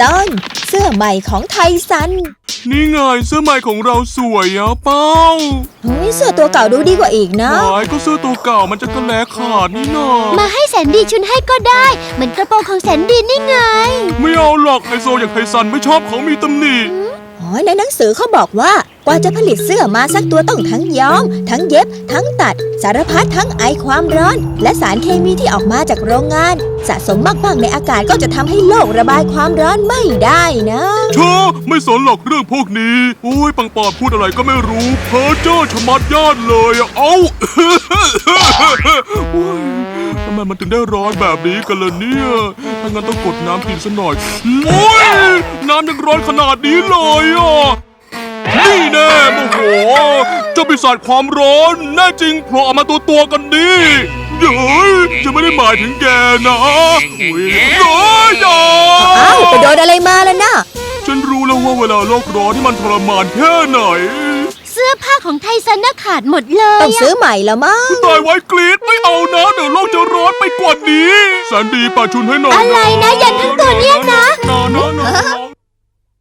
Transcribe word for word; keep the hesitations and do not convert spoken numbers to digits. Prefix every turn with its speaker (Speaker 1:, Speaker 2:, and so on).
Speaker 1: ตอนเสื้อใหม่ของไทซัน
Speaker 2: นี่ไงเสื้อใหม่ของเราสวยอะเป้า
Speaker 1: เฮ้ยเสื้อตัวเก่าดูดีกว่าอีกนะ
Speaker 2: หายก็เสื้อตัวเก่ามันจะกระแลขาดนี่นา
Speaker 3: มาให้แสนดีชุนให้ก็ได้เหมือนกระโปรงของแสนดีนี่ไง
Speaker 2: ไม่เอาหรอกไฮโซอย่างไทซันไม่ชอบของมีตำหนิ
Speaker 1: อ๋อในหนังสือเขาบอกว่ากว่าจะผลิตเสื้อมาสักตัวต้องทั้งย้อมทั้งเย็บทั้งตัดสารพัดทั้งไอความร้อนและสารเคมีที่ออกมาจากโรงงานสะสมมากๆในอากาศก็จะทำให้โลกระบายความร้อนไม่ได้นะ
Speaker 2: เชอไม่สนหรอกเรื่องพวกนี้โอ้ยปังปอนพูดอะไรก็ไม่รู้เพ้อเจ้อชะมัดญาติเลยเอ้าทำไมมันถึงได้ร้อนแบบนี้กันล่ะเนี่ยถ้างั้นต้องกดน้ำกินซะหน่อยโอ้ยน้ำยังร้อนขนาดนี้เลยอ่ะนี่แน่โมโหเจ้าปีศาจความร้อนแน่จริงโผล่ออกมาตัวตัวกันดิเย้ยจะไม่ได้หมายถึงแกนะอุ้ยเย้ยอย่า
Speaker 1: อ้าวไปโดนอะไรมาแล้วนะ
Speaker 2: ฉันรู้แล้วว่าเวลาโลกร้อนที่มันทรมานแค่ไหน
Speaker 3: เสื้อผ้าของไทซันน่ะขาดหมดเลย
Speaker 1: ต้องซื้อใหม่แล้วมั้ง
Speaker 2: ตายไว้กรีดไม่เอานะเดี๋ยวโลกจะร้อนไปกว่านี้แสนดีป่าชุนให้หน่อย
Speaker 3: อะไรนะยันทั้งตัวเนี่ยนะ
Speaker 2: นอนนอน